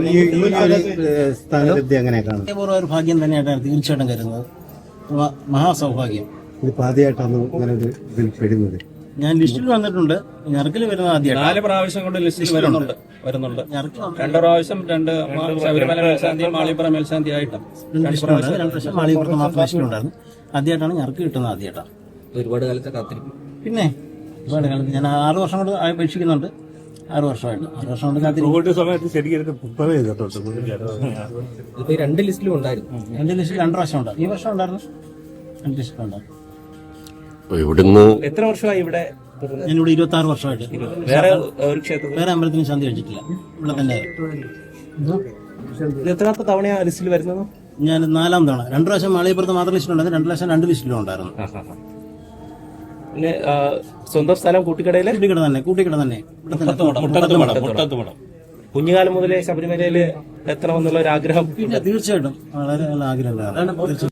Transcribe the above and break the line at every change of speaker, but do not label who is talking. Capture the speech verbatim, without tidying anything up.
സ്ഥാനലബ്ധി എങ്ങനെ കാണും?
ഒരു ഭാഗ്യം തന്നെയായിട്ടാണ് തീർച്ചയായിട്ടും കരുതുന്നത്. മഹാസൗഭാഗ്യം.
ഇതിപ്പോ ആദ്യമായിട്ടാണ് ഇങ്ങനെ ഒരു ഇതിൽ പെടുന്നത്.
ഞാൻ ലിസ്റ്റിൽ വന്നിട്ടുണ്ട്. ഞെറുക്കിൽ വരുന്നത് ആദ്യമായിട്ട്.
നാല് പ്രാവശ്യം കൊണ്ട് ലിസ്റ്റിൽ വരുന്നുണ്ട് വരുന്നുണ്ട് രണ്ട് പ്രാവശ്യം രണ്ട് ശബരിമല മേൽശാന്തിയും മാളിപ്പുറം മേൽശാന്തി ആയിട്ടും
രണ്ട് പ്രാവശ്യം മാളികപ്പുറത്ത് മാത്രം ലിസ്റ്റിലുണ്ടായിരുന്നു. ആദ്യമായിട്ടാണ് ഞെറുക്ക് കിട്ടുന്നത്. ആദ്യമായിട്ടാണ്.
ഒരുപാട് കാലത്തെ കാത്തിരിക്കും.
പിന്നെ ഒരുപാട് കാലത്ത് ഞാൻ ആറ് വർഷം കൊണ്ട് അപേക്ഷിക്കുന്നുണ്ട്. ആറ് വർഷമായിട്ട് ആറ് വർഷം കൊണ്ട് കാത്തിരിക്കും.
സമയത്ത് ശരിക്കും
ഇപ്പൊ രണ്ട് ലിസ്റ്റിലും ഉണ്ടായിരുന്നു.
രണ്ട് ലിസ്റ്റിൽ രണ്ട് പ്രാവശ്യം ഉണ്ടായിരുന്നു. ഈ വർഷം ഉണ്ടായിരുന്നു. രണ്ട് ലിസ്റ്റിലുണ്ടായിരുന്നു.
ഇവിടുന്ന്
എത്ര വർഷമായി ഇവിടെ?
ഞാനിവിടെ ഇരുപത്തി ആറ് വർഷമായിട്ട്
വേറെ ഒരു ക്ഷേത്രത്തിൽ
വേറെ അമ്പലത്തിന് ശാന്തി കഴിച്ചിട്ടില്ല. ഇവിടെ തന്നെ.
എത്രാമത്തെ തവണയാണ് ലിസ്റ്റിൽ വരുന്നത്?
ഞാൻ നാലാം തവണ. രണ്ട് പ്രാവശ്യം മാളികപ്പുറത്ത് മാത്രം ലിസ്റ്റിലുണ്ടായിരുന്നു. രണ്ട് പ്രാവശ്യം രണ്ട് ലിസ്റ്റിലും ഉണ്ടായിരുന്നു.
പിന്നെ സ്വന്തം സ്ഥലം കൂട്ടിക്കടയിലെ
കൂട്ടിക്കട തന്നെ. കൂട്ടിക്കട തന്നെ.
കുഞ്ഞുകാലം മുതലേ ശബരിമലയിൽ എത്തണമെന്നുള്ള ഒരു ആഗ്രഹം?
തീർച്ചയായിട്ടും വളരെ നല്ല ആഗ്രഹം.